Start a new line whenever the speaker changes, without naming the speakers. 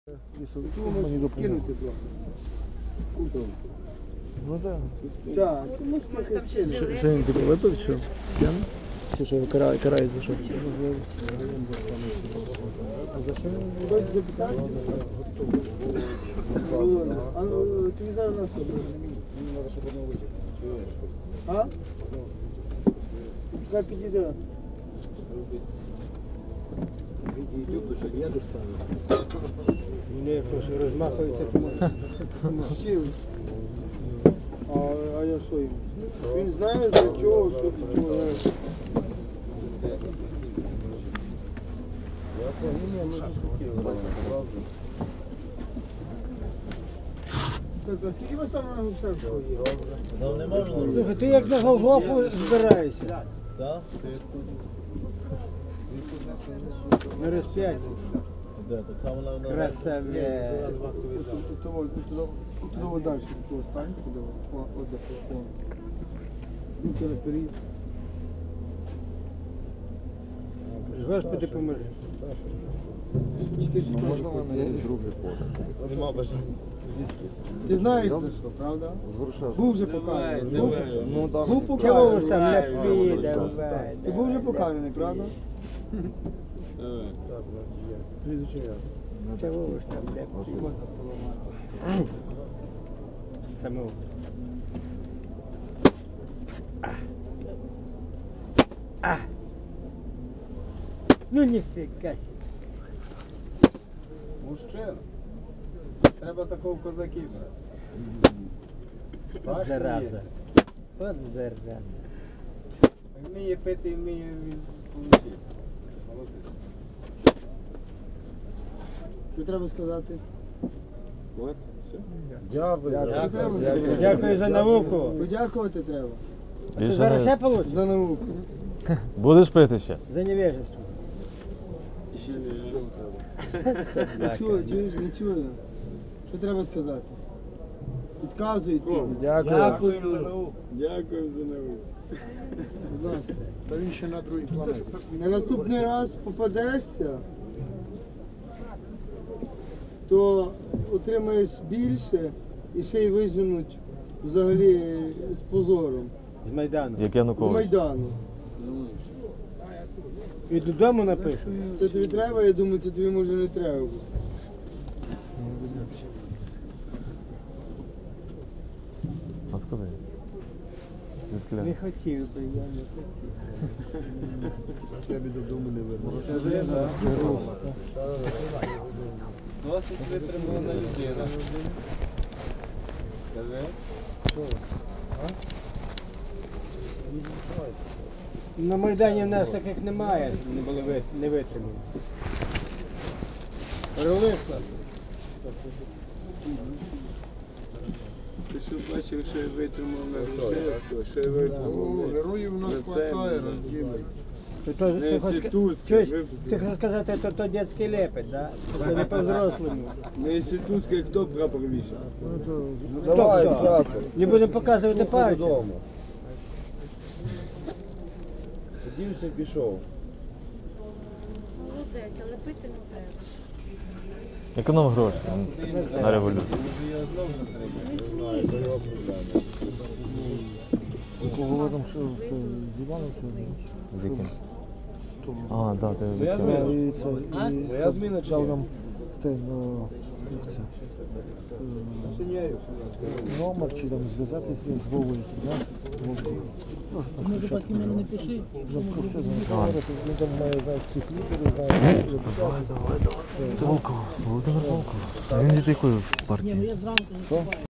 Мені кинути трохи.
Ну так.
Так.
Що він типу випив, що? П'яний? Чи що карає за що? За що він?
Хочеш запитати? А тобі зараз на що?
Мені треба, щоб воно витяг.
А? Хай підійде.
Йду, що я достану.
Мені просто розмахується щив. А я що йому? Він знає за чого, що від чого. Так, а скільки вас там на гусарку? Слухай, ти як на Голгофу збираєшся?
Так?
На розп'яття.
Де? Так само на
Красаве. Туди далі, туди стань, туди, от. Руки наперед. Господи, поможи.
Можна в мене є другий пост? Нема бажання.
Ти знаєш за що, правда? Був вже покараний.
Ну так.
Був покараний. Там ляпі, давай. Ти був вже покараний, правда? Чого ж там ляпі? Самого. Ну ніфіга себе.
Мужчина. Треба такого козаків брати.
Зараза. От зараза.
Вміє пити, вміє получити. Молодець.
Що треба сказати?
От, все.
Дякую за науку. Подякувати треба. А ти зараз ще получиш? За науку.
Будеш пити ще?
За невежество.
Ще не треба.
Чуєш, не чую. Що треба сказати? Підказують.
Дякую.
за науку. Дякую за науку.
Будь ласка.
Та він ще на другій планеті.
На наступний раз попадешся, то отримаєш більше і ще й виженуть взагалі з позором.
З Майдану.
Як
З
Янукович.
Майдану.
І додому напишу.
Це тобі треба, я думаю, це тобі може не треба буде.
Откуда? Відкля.
Не хотів би, я не хотів.
Я б додому не вернувся.
Досить витримана людина. Скажи.
На Майдані в нас таких немає, не були не витримані. Ролиста.
Ти що бачив, що я витримав на Грушевського, що я витримав? Героїв у нас хватає, розділить.
Ти хочеш сказати, то дитячий лепет, да? Це не по-взрослому.
На інститутській хто прапор вішав?
Хто, хто? Не будемо показувати пальцем.
Подівся, пішов.
Молодець, але пити не треба.
Економ гроші на революцію.
Не смійся.
Кого там що з Іваном? З яким? А, так, ти
Моя зміна чи
там номер чи там зв'язатися з Вовою,
Ми випадки мене не пиши.
Він там має, знаєш, всіх лідерів, знає. Давай. Волков, Володимир Волков. Він від якої партії?
Ні, я зранку.